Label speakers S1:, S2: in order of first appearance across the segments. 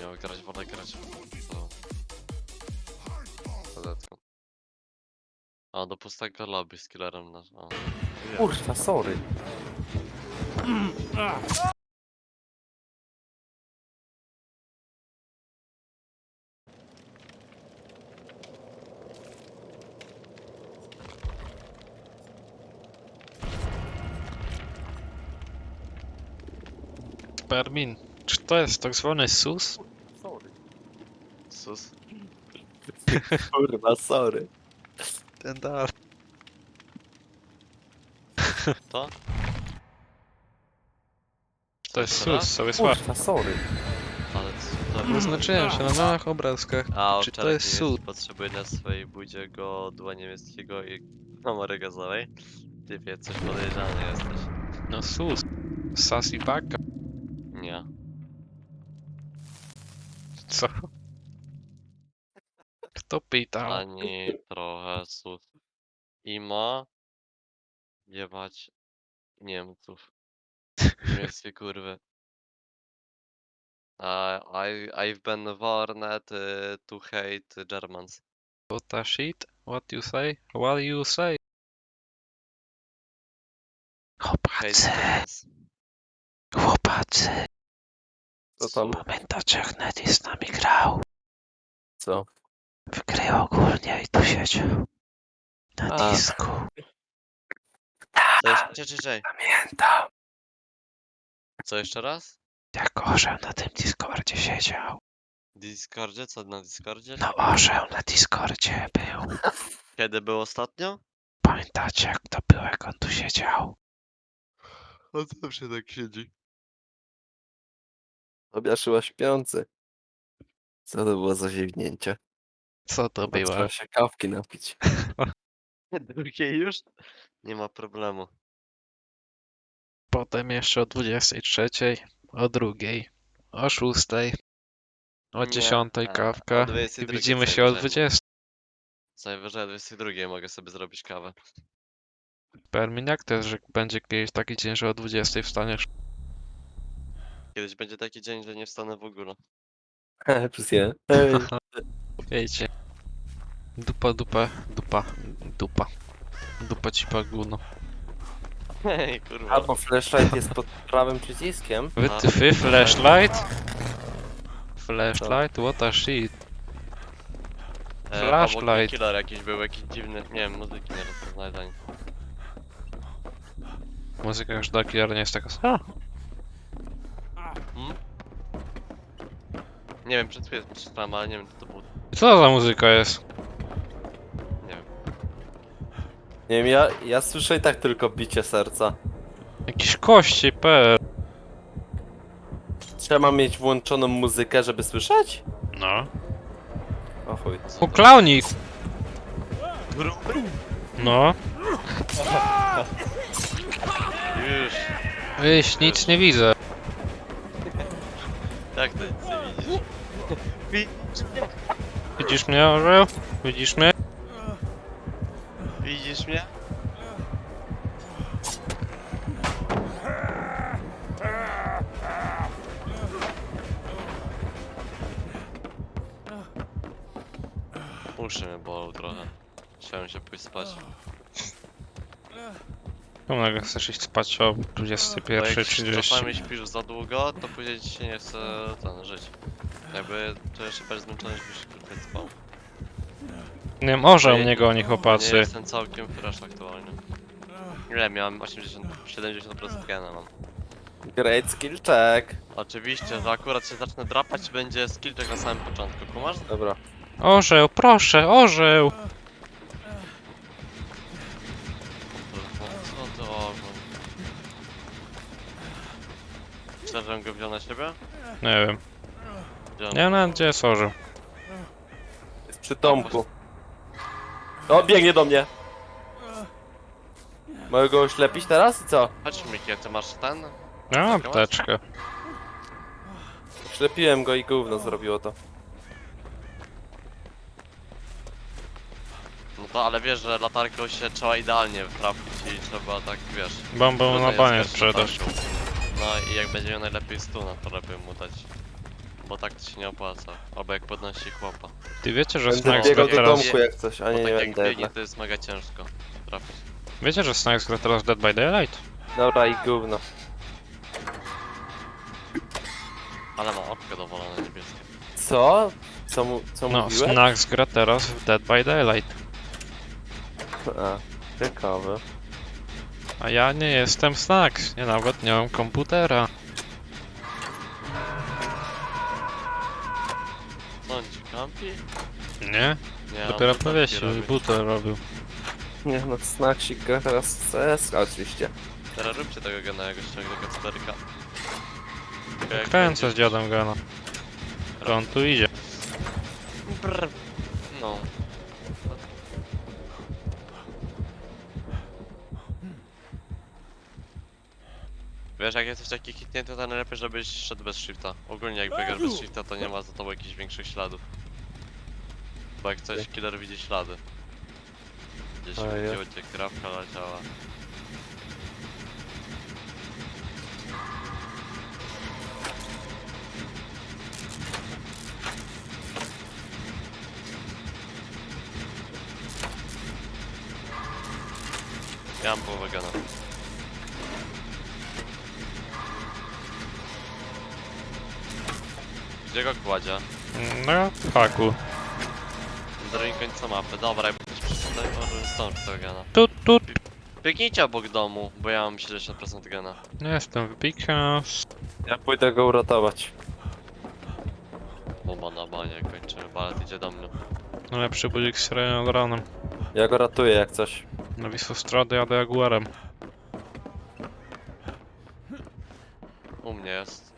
S1: miał grać, wolę grać to... Zadetką. A, do pustego lobby z killerem na... O.
S2: Kurwa, sorry.
S3: Permin, czy to jest tak zwany SUS?
S2: Sorry.
S1: Sus.
S2: Kurwa, sorry.
S3: Ten dar.
S1: To?
S3: To jest
S1: jeszcze raz?
S3: SUS, sobie słabo.
S2: Kurwa, sorry.
S1: Ale co to...
S3: Zaznaczyłem się na małych obrazkach.
S1: A,
S3: Czy to
S1: owczarek
S3: jest SUS?
S1: potrzebuje dla swojej budzie godła niemieckiego i numery gazowej. Typie, coś podejrzany jesteś.
S3: No SUS. Sassy baka.
S1: Nie.
S3: Co? Kto pytał?
S1: Ani trochę sus. Ima jebać Niemców. Niemieckie kurwy. I've been warned to hate Germans.
S3: What a shit? What you say? What you say?
S1: Hate
S3: Chłopacy,
S1: Germans.
S3: chłopacy.
S2: Co tam?
S3: Pamiętacie jak Nedy z nami grał?
S2: Co?
S3: W gry ogólnie i tu siedział. Na
S2: A.
S3: disku.
S1: Co jeszcze? Czekaj.
S3: Pamiętam.
S1: Co jeszcze raz?
S3: Jak orzeł na tym Discordzie siedział.
S1: Discordzie? Co na Discordzie?
S3: No orzeł na Discordzie był.
S1: Kiedy był ostatnio?
S3: Pamiętacie jak to było, jak on tu siedział?
S1: On zawsze tak siedzi.
S2: Obiaszyła śpiący. Co to było za ziewnięcie?
S3: Co to
S2: Chyba
S3: było?
S2: trzeba się kawki napić.
S1: Drugiej już? Nie ma problemu.
S3: Potem jeszcze o 23, o 2, o 6, o
S1: Nie,
S3: 10
S1: o
S3: kawka. I
S1: 22
S3: widzimy
S1: co
S3: się o
S1: najwyżej
S3: 20.
S1: Co najwyżej o 22 mogę sobie zrobić kawę.
S3: Permin, jak to jest, że będzie kiedyś taki dzień, że o 20 wstaniesz?
S1: Kiedyś będzie taki dzień, że nie wstanę w ogóle.
S2: Plus jeden. Hej.
S3: Wiecie. Dupa, dupa, dupa, dupa. Dupa ci paguno.
S1: Hej, kurwa.
S2: Albo flashlight jest pod prawym przyciskiem.
S3: Wytyfy, flashlight? Flashlight? What a shit.
S1: Obok
S3: Flashlight.
S1: mnie killer jakiś był, jakiś dziwny, nie wiem, muzyki nie rozpoznaję za nic.
S3: Muzyka już do killer nie jest taka... A,
S1: Hmm? Nie wiem, przed chwilą przeczytałem, ale nie wiem, co to było.
S3: co za muzyka jest?
S1: Nie wiem.
S2: Nie wiem, ja słyszę i tak tylko bicie serca.
S3: Jakieś kości, per.
S2: Trzeba mieć włączoną muzykę, żeby słyszeć?
S3: No.
S2: O chuj.
S3: O, klaunik! No.
S1: Już.
S3: Wyś, nic nie widzę.
S1: Jak ty nic nie widzisz?
S3: Widzisz mnie, orzeł? Widzisz mnie?
S1: Widzisz mnie? Uszy mnie bolą trochę. Chciałem się pójść spać.
S3: Czemu nagle chcesz iść spać o
S1: Bo jak
S3: 21:30?
S1: czasami śpisz za długo, to później ci się nie chce żyć. Jakby to jeszcze bardziej zmęczony, żebyś krótko spał.
S3: Nie wiem, orzeł
S1: Nie-
S3: mnie goni,
S1: Nie
S3: chłopacy.
S1: jestem całkiem fresh aktualnie. Ile miałem? 70% gena mam.
S2: Great skill check.
S1: Oczywiście, że akurat się zacznę drapać, będzie skillczek na samym początku, kumasz?
S2: Dobra.
S3: Orzeł, proszę, orzeł!
S1: Co to ogon? Myślę, że go wziął na siebie?
S3: Nie wiem.
S1: Wziął.
S3: Nie wiem nawet gdzie jest orzeł.
S2: Jest przy domku. O, biegnie do mnie. Mogę go oślepić teraz i co?
S1: Chodź Miki, ty masz ten?
S3: Ja mam apteczkę.
S2: Ślepiłem go i gówno zrobiło to.
S1: No to ale wiesz, że latarką się trzeba idealnie trafić i trzeba tak, wiesz...
S3: Bombę na
S1: trudno
S3: banie
S1: jest grać
S3: sprzedasz.
S1: latarką. No i jak będzie miał najlepiej stuna, to lepiej mu dać. Bo tak to się nie opłaca. Albo jak podnosi chłopa.
S3: Ty wiecie, że
S2: Będę
S3: Snacks
S2: biegał
S3: gra
S2: do
S3: teraz...
S2: domku jak coś, a
S1: Bo
S2: nie,
S1: tak
S2: nie
S1: jak
S2: będę
S1: biegnie
S2: jednak.
S1: to jest mega ciężko trafić.
S3: Wiecie, że Snacks gra teraz Dead by Daylight?
S2: Dobra i gówno.
S1: Ale ma oko dowolone niebieskie.
S2: Co? Co
S3: No,
S2: mówiłeś?
S3: Snacks gra teraz w Dead by Daylight.
S2: A, ciekawe.
S3: A ja nie jestem Snacks, ja nawet nie mam komputera.
S1: Co on ci kampi?
S3: Nie?
S1: Nie,
S3: Dopiero
S1: on
S3: powiesił
S1: robi.
S3: i butę robił.
S2: Nie no, Snacksik gra teraz w CS oczywiście.
S1: Teraz róbcie tego gena, jak ściągnę do Kacperka.
S3: Kręcę z dziadem Gana. To on tu idzie.
S1: Brr. No. Wiesz, jak jesteś taki hitnięty, to najlepiej, żebyś szedł bez shifta. Ogólnie jak biegasz bez shifta, to nie ma za tobą jakichś większych śladów. Bo jak coś, killer widzi ślady. Gdzieś
S2: A, ja.
S1: gdzie krawka leciała. Ja mam połowę gana. Gdzie go kładzie?
S3: No, w haku.
S1: Na drugim końcu mapy. Dobra, jakby ktoś przyszedł, to może stąd tego gana.
S3: Tu.
S1: Biegnijcie obok domu, bo ja mam 70% gana.
S3: Nie jestem w Bikas.
S2: Ja pójdę go uratować.
S1: Bomba na banie, kończymy. Balet idzie do mnie.
S3: Najlepszy budzik z nad ranem.
S2: Ja go ratuję jak coś.
S3: Na Wisłostrady jadę Jaguarem.
S1: U mnie jest.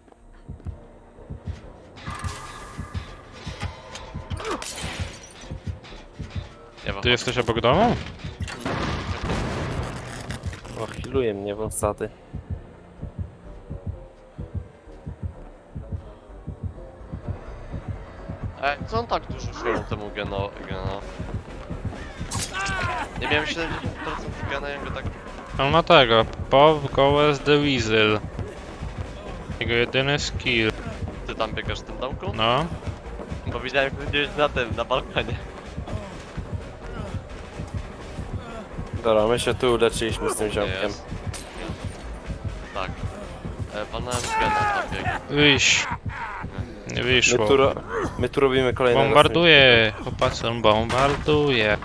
S1: Ja
S3: Ty jesteś obok domu?
S2: O, healuje mnie wąsaty.
S1: Co on tak dużo szło temu geno? Nie miałem 70% gana, ja go tak...
S3: On ma tego. Pop goes the Weasel. Jego jedyny skill.
S1: Ty tam biegasz w tym domku?
S3: No.
S1: Bo widziałem, jak gdzieś na tym, na balkonie.
S2: Dobra, my się tu uleczyliśmy z tym ziomkiem.
S1: Jest. Tak. Panałem gena tam biegł.
S3: Wyjść. Nie wyszło.
S2: My tu robimy kolejne.
S3: Bombarduje. Chłopacy, on bombarduje.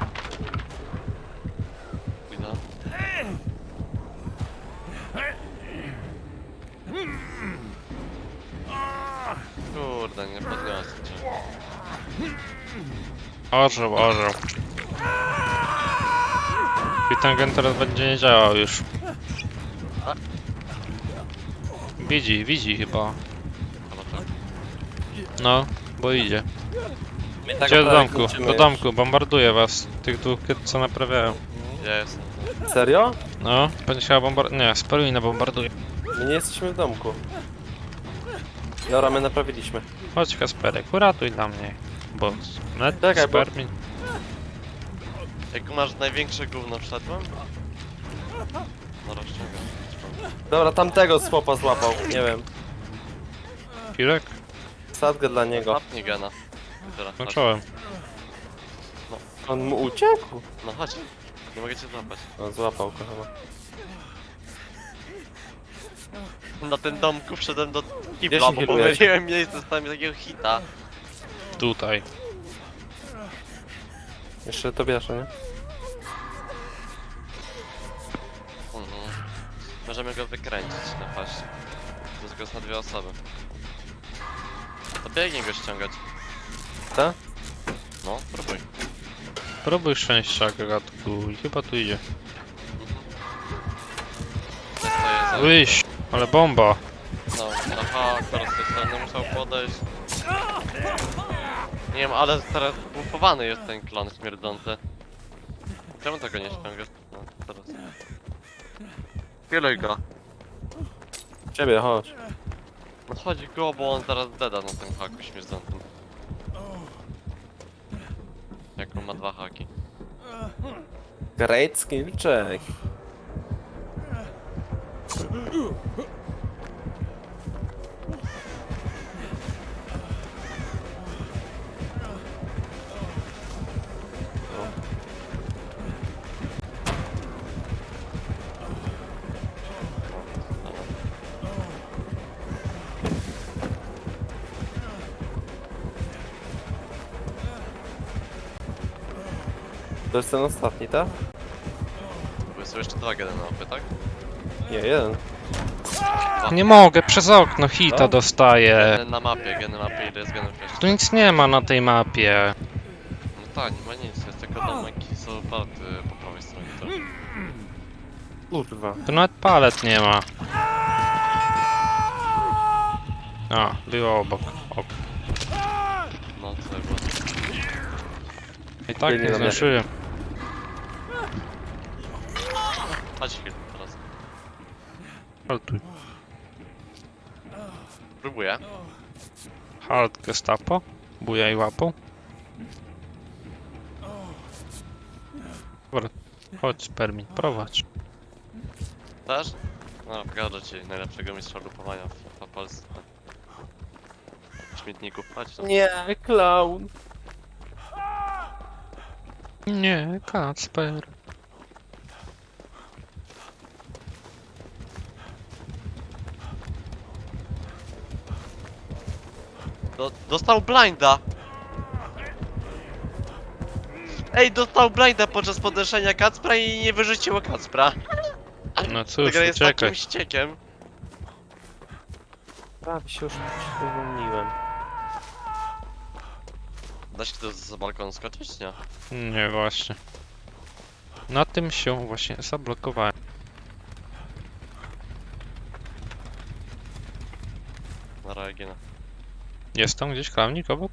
S1: Widzę. Kurde, nie podniosę cię.
S3: Orzeł. I ten gen teraz będzie nie działał już. Widzi chyba.
S1: Chyba tak.
S3: No, bo idzie.
S2: My tak
S3: Gdzie do
S2: naprawdę
S3: domku?
S2: kończymy
S3: Do
S2: już.
S3: domku, bombarduje was. Tych dwóch, co naprawiają.
S1: Ja jestem.
S2: Serio?
S3: No, będzie chciała bombarduje. Nie, Spelwina bombarduje.
S2: My nie jesteśmy w domku. Dobra, my naprawiliśmy.
S3: Chodź Kasperek, uratuj dla mnie. Bo net
S2: Czekaj, bo-
S3: Spermin.
S1: Jak masz największe gówno wszedłem? No rozciągam.
S2: Dobra, tamtego słopa złapał. Nie wiem.
S3: Pilek?
S2: Sadgę dla niego.
S1: Łapnij gena. Teraz,
S3: No
S1: chodź.
S3: czołem.
S2: On mu uciekł.
S1: No chodź. Nie mogę cię złapać.
S2: On złapał go chyba.
S1: Na tym domku wszedłem do
S2: Gdzie
S1: kibla,
S2: się
S1: bo
S2: healujesz?
S1: pomyliłem miejsce, stałem takiego hita.
S3: Tutaj.
S2: Jeszcze to bierze, nie?
S1: Mhm. Możemy go wykręcić na paście. To jest go na dwie osoby. To biegnie go ściągać.
S2: Tak?
S1: No, próbuj.
S3: Próbuj szczęścia, gagatku. I chyba tu idzie.
S1: To jest za...
S3: Wyjść! Ale bomba!
S1: No, aha, teraz z tej strony musiał podejść. Nie wiem, ale teraz bufowany jest ten klon śmierdzący. Czemu tego nie ściągasz? No, teraz. Kiluj go.
S2: Ciebie, chodź.
S1: No chodzi go, bo on zaraz deda na tym haku śmierdzącym. Jak on ma dwa haki.
S2: Great skill check. To jest ten ostatni, tak?
S1: Bo są jeszcze 2 geny na mapie, tak?
S2: Nie, jeden.
S3: Nie mogę, przez okno hita
S2: No.
S3: dostaję.
S1: Geny na mapie, ile jest genów jeszcze?
S3: Tu nic nie ma na tej mapie.
S1: No tak, nie ma nic, jest tylko domek i są party po prawej stronie. To...
S2: Kurwa.
S3: Tu nawet palet nie ma. A, było obok. Ok.
S1: No, to było.
S3: I tak
S2: Biegnie
S3: nie
S2: na mnie.
S3: zdążyłem.
S1: Chodź chwilę teraz.
S3: Haltuj.
S1: Próbuję.
S3: Halt gestapo. Bujaj łapą. Dobra, chodź Spermin, prowadź.
S1: Też? No, pokażę ci najlepszego mistrza lupowania w Polsce. Śmietników, chodź tam.
S2: Nie, clown.
S3: Nie, Kacper.
S1: Dostał blinda! Ej, dostał blinda podczas podnoszenia Kacpra i nie wyrzuciło Kacpra.
S3: No cóż,
S1: Ta gra jest
S3: uciekaj.
S1: takim ściekiem.
S2: Prawie się już uwolniłem.
S1: Da się to z balkonu skoczyć? Nie.
S3: Nie, właśnie. Na tym się właśnie zablokowałem.
S1: Na reagina.
S3: Jest tam gdzieś klamnik obok?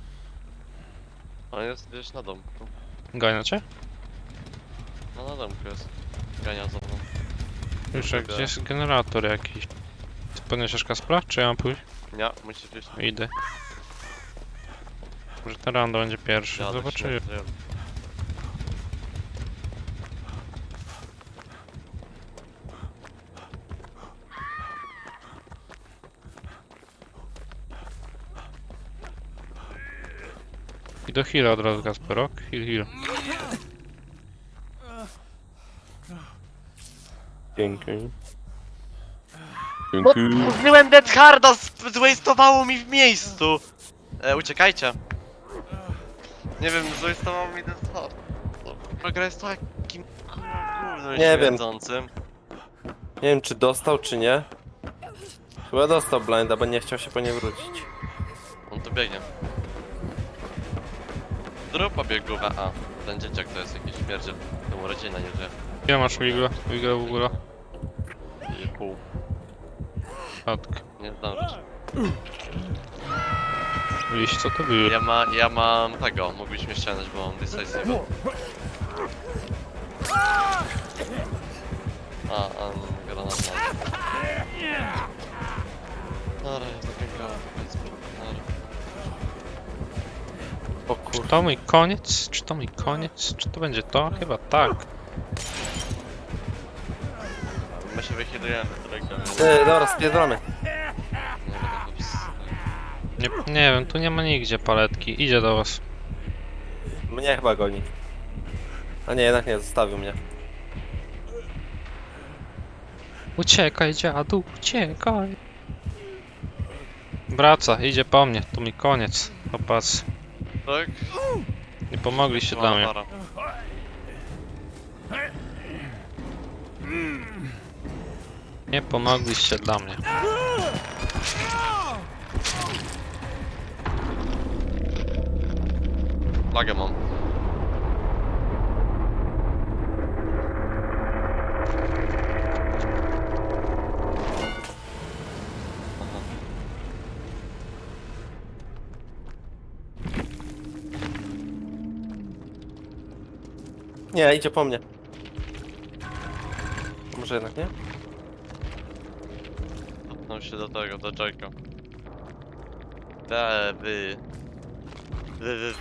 S1: On jest gdzieś na domku.
S3: Gania cię?
S1: No na domku jest. Gania za mną.
S3: Już jak gdzieś jest generator jakiś. Ty podniesiesz Kaspra? Czy ja mam pójść?
S1: Nie, musisz iść.
S3: Idę. Może ten rando będzie pierwszy.
S1: Jadę,
S3: Zobaczymy.
S1: śmierdzę.
S3: I do heala od razu Kasperok. Heal, heal.
S2: Dzięki.
S1: Użyłem Dead Harda, zwastowało mi w miejscu! Uciekajcie. Nie wiem, zwastowało mi Dead Hard. Ta gra jest takim gównem
S2: Nie wiem.
S1: śmierdzącym.
S2: Nie wiem, czy dostał, czy nie. Chyba dostał blinda, bo nie chciał się po nie wrócić.
S1: On tu biegnie. Drupa biegówę, a ten dzieciak to jest jakiś śmierdziel. To mu rodzina nie żyje.
S3: Ile masz wigla? Wigla w ogóle?
S1: I pół.
S3: Matkę.
S1: Nie zdążysz.
S3: Liść, co to było?
S1: Ja mam tego, mógłbyś ściągnąć, bo mam decisive. A, granat ma. Dobra, jest zapiękała, więc dobra.
S2: O
S3: Czy
S2: kurwa.
S3: to mój koniec? Czy to mój koniec? Czy to będzie to? Chyba tak.
S1: My się wychylujemy, którego
S2: Dobra, spierdolamy.
S1: nie będę go
S3: Nie wiem, tu nie ma nigdzie paletki. Idzie do was.
S2: Mnie chyba goni. A nie, jednak nie, zostawił mnie.
S3: Uciekaj, dziadu, uciekaj. Wraca, idzie po mnie. To mi koniec. Popatrz.
S1: Tak?
S3: Nie pomogliście dla mnie.
S1: Para.
S3: Nie pomogliście dla mnie.
S1: Lagę mam. Aha.
S2: Nie, idzie po mnie. Może jednak nie?
S1: Cofnął się do tego, do Jake'a. Wy.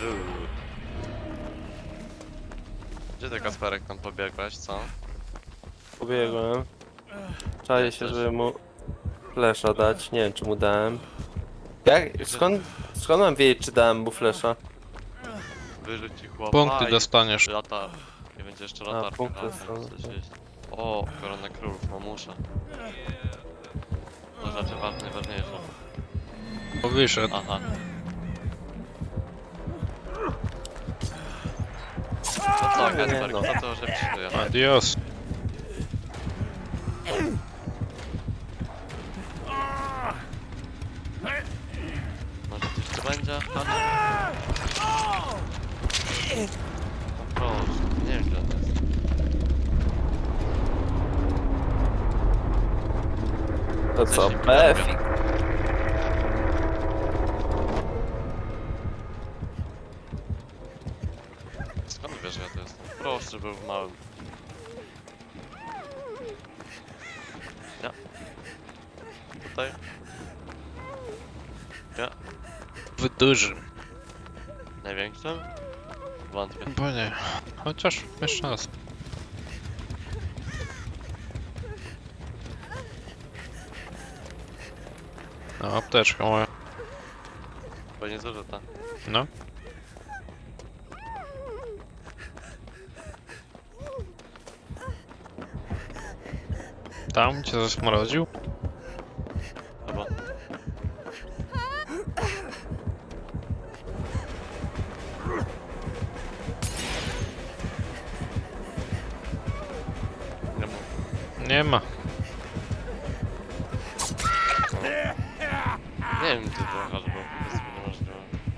S1: Gdzie ty, Kasperek, tam pobiegłeś, co?
S2: Pobiegłem. Czaję się, żeby mu flesza dać. Nie wiem, czy mu dałem. Jak? Skąd mam wiedzieć, czy dałem mu flesza?
S1: Wyrzuci chłopa
S3: Punkty
S1: i
S3: dostaniesz.
S1: lata. Nie będzie jeszcze latarka.
S2: punkty
S1: ale
S2: są,
S1: coś jest. O, korona królów, mamusza. To rzeczy najważniejsze.
S3: Bo wyszedł.
S1: Aha. No co? to,
S2: Nie,
S1: Kacper,
S2: no.
S1: kto to, że przyjdzie?
S3: Adios.
S1: Może coś tu będzie? No proszę, nie wiem gdzie on jest.
S2: To co,
S1: Coś
S2: Befik?
S1: Skąd wiesz, że ja tu jestem? Proszę, że był w małym. Ja. Tutaj. Ja.
S3: W dużym.
S1: Największym? Wątpię.
S3: Bo nie. Chociaż jeszcze raz. No, apteczka moja.
S1: Bo nie zużyta.
S3: No. Tam cię zasmrodził?
S1: Chyba. Nie ma.
S3: Nie ma.
S1: Nie wiem, gdzie to jechać, bo to jest niemożliwe.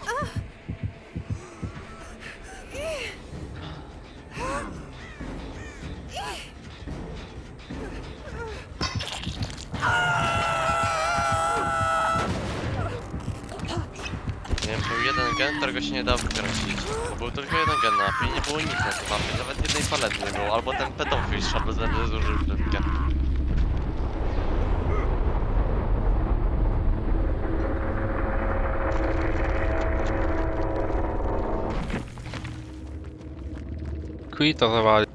S1: Nie wiem, był jeden gen, którego się nie dało wykręcić. Bo był tylko jeden gen na mapie i nie było nic na tej mapie. Nawet jednej palety nie było. Albo ten pedofil szab bez względu zużył klipkę.
S3: Quita zawali.